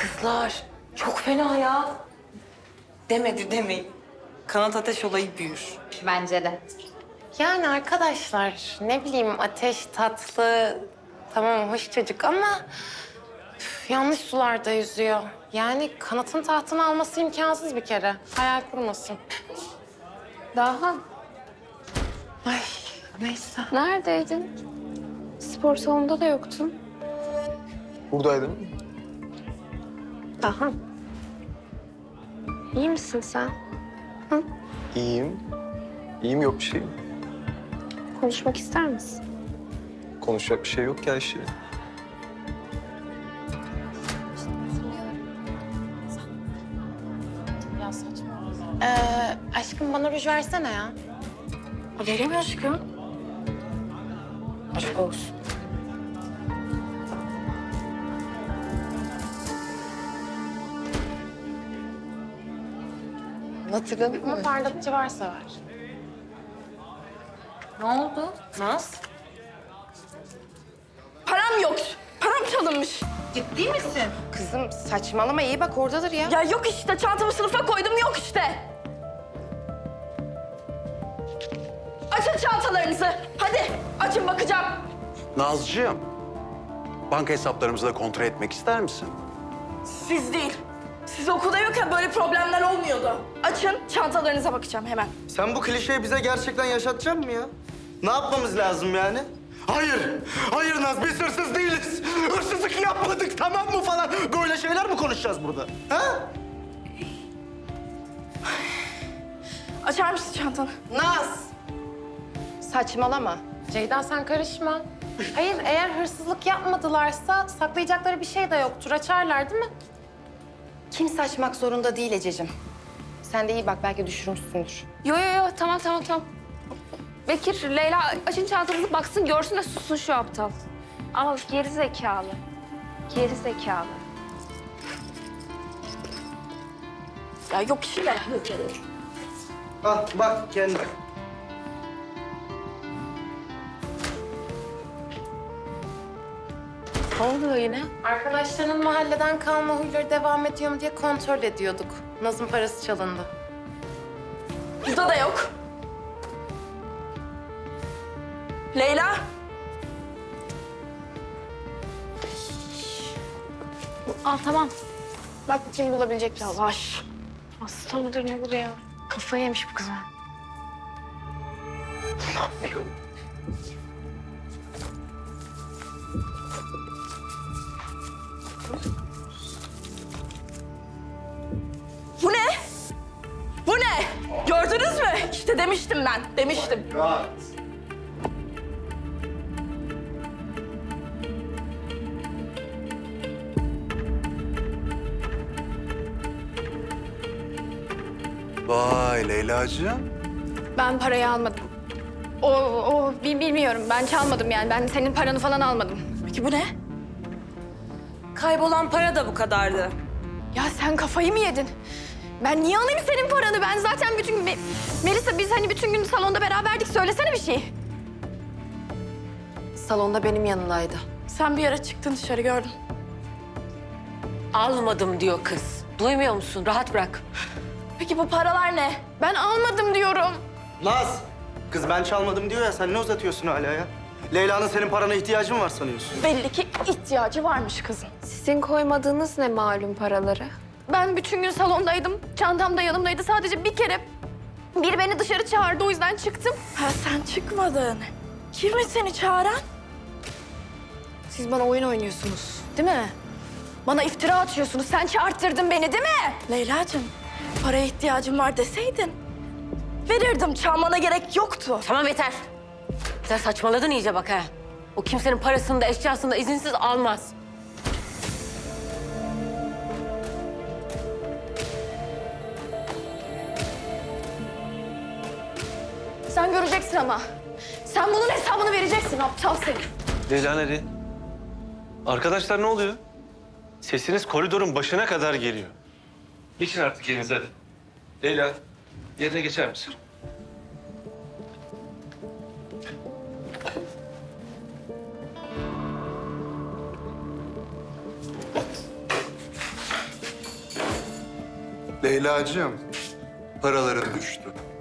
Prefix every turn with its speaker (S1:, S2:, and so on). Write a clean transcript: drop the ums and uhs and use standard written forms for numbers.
S1: Kızlar çok fena ya. Demedi demeyin. Kanat ateş olayı büyür.
S2: Bence de.
S3: Yani arkadaşlar ne bileyim Ateş tatlı, tamam hoş çocuk ama yanlış sularda yüzüyor. Yani kanatın tahtını alması imkansız bir kere. Hayal kurmasın.
S2: Daha
S3: Ay neyse.
S2: neredeydin? Spor salonunda da yoktun.
S4: Buradaydım.
S2: Daha. İyi misin sen?
S4: İyiyim. İyiyim, yok bir şey.
S2: Konuşmak ister misin?
S4: Konuşacak bir şey yok ki Ayşe.
S3: Ya saçma. Aşkım bana ruj versene ya.
S1: Veremiyor aşkım.
S3: Aşk olsun.
S1: Hatırladın
S3: Ama
S1: mı?
S3: parlatıcı varsa ver.
S1: Ne oldu? Naz?
S5: Param yok. Param çalınmış.
S1: Ciddi misin?
S3: Kızım saçmalama iyi bak oradadır ya.
S5: Ya yok işte. Çantamı sınıfa koydum. Yok işte. Açın çantalarınızı. Hadi açın bakacağım.
S6: Nazcığım, banka hesaplarımızı da kontrol etmek ister misin?
S5: Siz değil. Siz okulda yokken böyle problemler olmuyordu. Açın çantalarınıza bakacağım hemen.
S7: Sen bu klişeyi bize gerçekten yaşatacaksın mı ya? Ne yapmamız lazım yani?
S6: Hayır, hayır Naz, biz hırsız değiliz. Hırsızlık yapmadık, tamam mı falan.
S7: Böyle şeyler mi konuşacağız burada? Ha?
S5: Açar mısın çantanı?
S3: Naz! Saçmalama. Ceyda sen karışma. Hayır eğer hırsızlık yapmadılarsa saklayacakları bir şey de yoktur. Açarlar değil mi?
S8: Kimse açmak zorunda değil Ececiğim. Sen de iyi bak, belki düşürmüşsündür.
S2: Yo tamam. Bekir, Leyla açın çantanızı baksın görsün de sussun şu aptal. Ama geri zekalı. Geri zekalı.
S5: Ya yok işte.
S7: Ah bak kendi.
S1: Ne oluyor yine?
S3: Arkadaşlarının mahalleden kalma huyları devam ediyor mu diye kontrol ediyorduk. Naz'ın parası çalındı.
S5: Burada da yok. Leyla.
S2: Al tamam.
S5: Bak kim bulabilecek misin?
S2: Yavaş. Hasta mıdır ne bu ya? Kafayı yemiş bu kız.
S5: Bu ne? Bu ne? Gördünüz mü? İşte demiştim ben. Demiştim.
S6: Vay Leyla'cığım.
S2: Ben parayı almadım. Bilmiyorum. Ben çalmadım yani. Ben senin paranı falan almadım.
S5: Peki bu ne?
S1: Kaybolan para da bu kadardı.
S2: Ya sen kafayı mı yedin? Ben niye alayım senin paranı? Ben zaten bütün gün... Melisa biz hani bütün gün salonda beraberdik. Söylesene bir şey.
S8: Salonda benim yanımdaydı.
S5: Sen bir ara çıktın dışarı gördüm.
S1: Almadım diyor kız. Duymuyor musun? Rahat bırak.
S5: Peki bu paralar ne?
S2: Ben almadım diyorum.
S7: Naz! Kız ben çalmadım diyor ya, sen ne uzatıyorsun hala ya? Leyla'nın senin parana ihtiyacı mı var sanıyorsun?
S5: Belli ki ihtiyacı varmış kızın.
S2: Sizin koymadığınız ne malum paraları? Ben bütün gün salondaydım. Çantam da yanımdaydı. Sadece bir kere biri beni dışarı çağırdı. O yüzden çıktım.
S5: Ha sen çıkmadın. Kim seni çağıran?
S2: Siz bana oyun oynuyorsunuz, değil mi? Bana iftira atıyorsunuz. Sen çağırttırdın beni, değil mi?
S5: Leyla'cığım, paraya ihtiyacım var deseydin verirdim. Çalmana gerek yoktu.
S1: Tamam yeter. Sen saçmaladın iyice bak ha. O kimsenin parasını da eşyasını da izinsiz almaz.
S2: Sen göreceksin ama. Sen bunun hesabını vereceksin aptal seni.
S9: Leyla nereye? Arkadaşlar ne oluyor? Sesiniz koridorun başına kadar geliyor. Geçin artık yerinize hadi. Leyla, yerine geçer misin?
S6: Leyla'cığım, paraların düştü.